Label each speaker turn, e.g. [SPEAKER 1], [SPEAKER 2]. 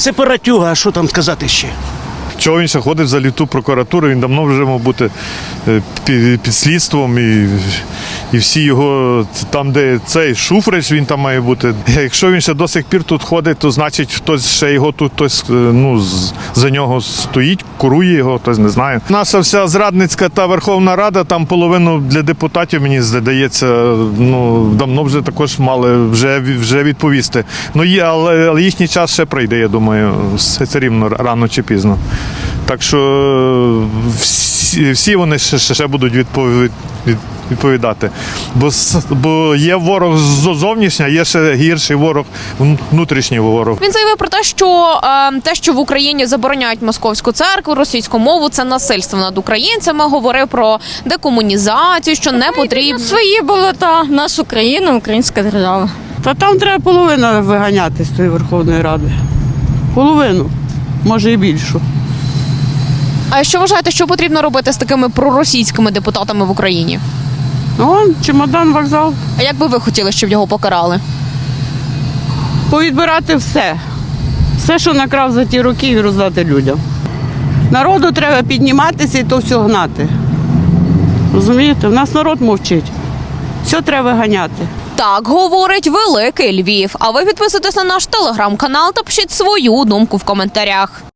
[SPEAKER 1] сепаратюга, а що там сказати ще?
[SPEAKER 2] Чого він ще ходить за літу прокуратури, він давно вже мав бути під слідством і всі його, там де цей Шуфрич, він там має бути. Якщо він ще до сих пір тут ходить, то значить хтось ще його тут, хтось за нього стоїть, курує його, хтось не знає. Наша вся зрадницька та Верховна Рада, там половину для депутатів, мені здається, давно вже також мали вже відповісти. Але їхній час ще прийде, я думаю, все рівно рано чи пізно. Так що всі вони ще будуть відповідати. Бо є ворог зовнішній, а є ще гірший ворог, внутрішній ворог.
[SPEAKER 3] Він заявив про те, що в Україні забороняють московську церкву, російську мову, це насильство над українцями. Говорив про декомунізацію, що не потрібно.
[SPEAKER 4] Свої болота, нашу країну, українська держава.
[SPEAKER 5] Та там треба половину виганяти з тої Верховної Ради. Половину, може і більшу.
[SPEAKER 3] А що вважаєте, що потрібно робити з такими проросійськими депутатами в Україні?
[SPEAKER 5] Чемодан, вокзал.
[SPEAKER 3] А як би ви хотіли, щоб його покарали?
[SPEAKER 5] Повідбирати все. Все, що накрав за ті роки, і роздати людям. Народу треба підніматися і то все гнати. Розумієте? У нас народ мовчить. Все треба ганяти.
[SPEAKER 3] Так говорить Великий Львів. А ви підписуйтесь на наш телеграм-канал та пишіть свою думку в коментарях.